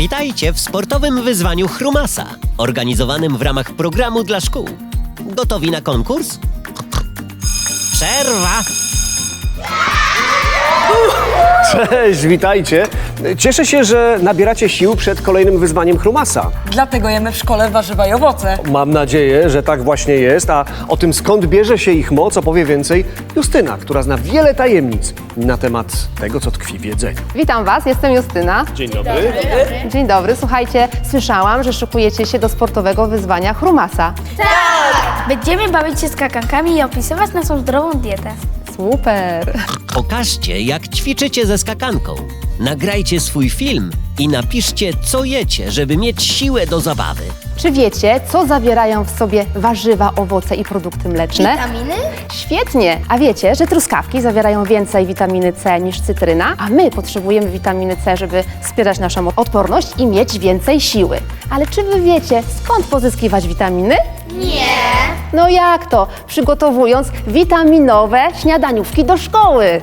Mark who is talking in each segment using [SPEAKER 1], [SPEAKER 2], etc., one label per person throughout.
[SPEAKER 1] Witajcie w sportowym wyzwaniu Chrumasa, organizowanym w ramach programu dla szkół. Gotowi na konkurs? Przerwa!
[SPEAKER 2] Cześć, witajcie. Cieszę się, że nabieracie sił przed kolejnym wyzwaniem Chrumasa.
[SPEAKER 3] Dlatego jemy w szkole warzywa i owoce.
[SPEAKER 2] Mam nadzieję, że tak właśnie jest, a o tym, skąd bierze się ich moc, opowie więcej Justyna, która zna wiele tajemnic na temat tego, co tkwi w jedzeniu.
[SPEAKER 4] Witam Was, jestem Justyna.
[SPEAKER 2] Dzień dobry.
[SPEAKER 4] Dzień dobry. Słuchajcie, słyszałam, że szykujecie się do sportowego wyzwania Chrumasa.
[SPEAKER 5] Będziemy bawić się skakankami i opisywać naszą zdrową dietę.
[SPEAKER 4] Super!
[SPEAKER 1] Pokażcie, jak ćwiczycie ze skakanką. Nagrajcie swój film i napiszcie, co jecie, żeby mieć siłę do zabawy.
[SPEAKER 4] Czy wiecie, co zawierają w sobie warzywa, owoce i produkty mleczne?
[SPEAKER 5] Witaminy?
[SPEAKER 4] Świetnie! A wiecie, że truskawki zawierają więcej witaminy C niż cytryna? A my potrzebujemy witaminy C, żeby wspierać naszą odporność i mieć więcej siły. Ale czy Wy wiecie, skąd pozyskiwać witaminy?
[SPEAKER 5] Nie.
[SPEAKER 4] No jak to? Przygotowując witaminowe śniadaniówki do szkoły.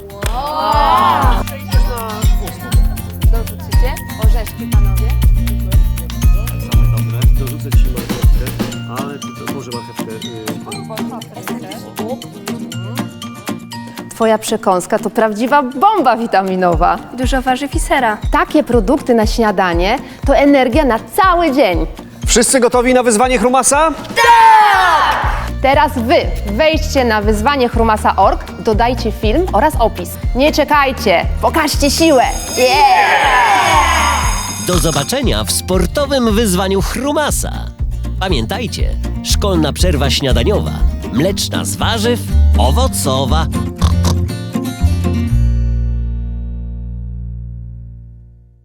[SPEAKER 4] Dorzucicie orzeszki, panowie?
[SPEAKER 2] Dobre, dorzucę ci marchewkę, ale to może marchewkę...
[SPEAKER 4] Twoja przekąska to prawdziwa bomba witaminowa.
[SPEAKER 5] Dużo warzyw i sera.
[SPEAKER 4] Takie produkty na śniadanie to energia na cały dzień.
[SPEAKER 2] Wszyscy gotowi na wyzwanie Chrumasa?
[SPEAKER 4] Teraz Wy wejdźcie na wyzwanie Chrumasa.org, dodajcie film oraz opis. Nie czekajcie, pokażcie siłę!
[SPEAKER 1] Do zobaczenia w sportowym wyzwaniu Chrumasa. Pamiętajcie, szkolna przerwa śniadaniowa, mleczna z warzyw, owocowa.